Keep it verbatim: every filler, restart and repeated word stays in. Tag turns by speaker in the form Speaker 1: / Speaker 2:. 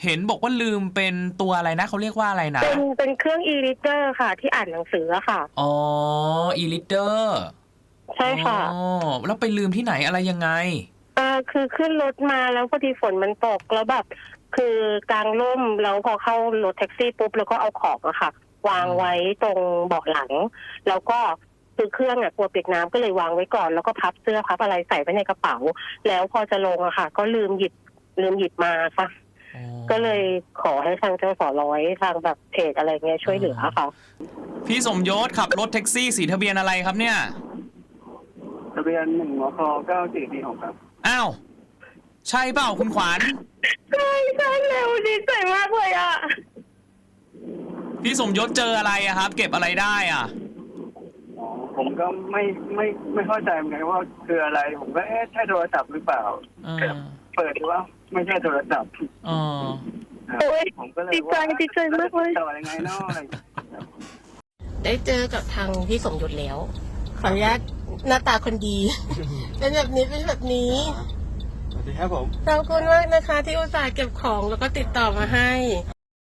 Speaker 1: เห็นบอกว่าลืมเป็นตัวอะไรนะเขาเรียกว่าอะไรนะ
Speaker 2: เป็นเป็นเครื่อง e-reader ค่ะ ที่อ่านหนังสืออะค่ะ
Speaker 1: อ๋อ e-reader
Speaker 2: ใช่ค่ะ
Speaker 1: อ๋อแล้วไปลืมที่ไหนอะไรยังไง
Speaker 2: เออคือขึ้นรถมาแล้วพอดีฝนมันตกแล้วแบบคือกลางร่มแล้วพอเข้ารถแท็กซี่ปุ๊บแล้วก็เอาของอะค่ะ วางไว้ตรงเบาะหลัง แล้วก็คือเครื่องอะกลัวเปียกน้ำก็เลยวางไว้ก่อนแล้วก็พับเสื้อพับอะไรใส่ไว้ในกระเป๋า แล้วพอจะลงอะค่ะ ก็ลืมหยิบลืมหยิบมาค่ะก็เลยขอให้ทางเจ้าสอร้อยทางแบบเพจอะไรเงี้ยช่วยเหลือค่ะ
Speaker 1: พี่สมยศขับรถแท็กซี่สีทะเบียนอะไรครับเนี่ย
Speaker 3: ทะเบียนหนึ่งมคเก้าสี่สี่หกครับ
Speaker 1: อ้าวใช่เปล่าคุณขวัญ
Speaker 2: ใช่ใช่เร็วดีใจมากเลยอ่ะ
Speaker 1: พี่สมยศเจออะไรอะครับเก็บอะไรได้อ่ะ
Speaker 3: อ๋อผมก็ไม่ไม่ไม่เข้าใจเหมือนกันว่าคืออะไรผมก็เอ๊ะใช่โทรศัพท์หรือเปล่าเปิดดูว่าไม่ใช่โทรศัพท์
Speaker 1: อ๋อ
Speaker 3: ผมก็เลย
Speaker 2: ดีใจดีใจมากเลย
Speaker 3: ต่อยังไงเนาะอะไร
Speaker 2: ได้เจอกับทางพี่สมยศแล้วขออนุญาตหน้าตาคนดีเป็นแบบนี้เป็นแบบนี้
Speaker 3: สวัสดีครับผม
Speaker 2: ขอบคุณมากนะคะที่อุตส่าห์เก็บของแล้วก็ติดต่อมาให้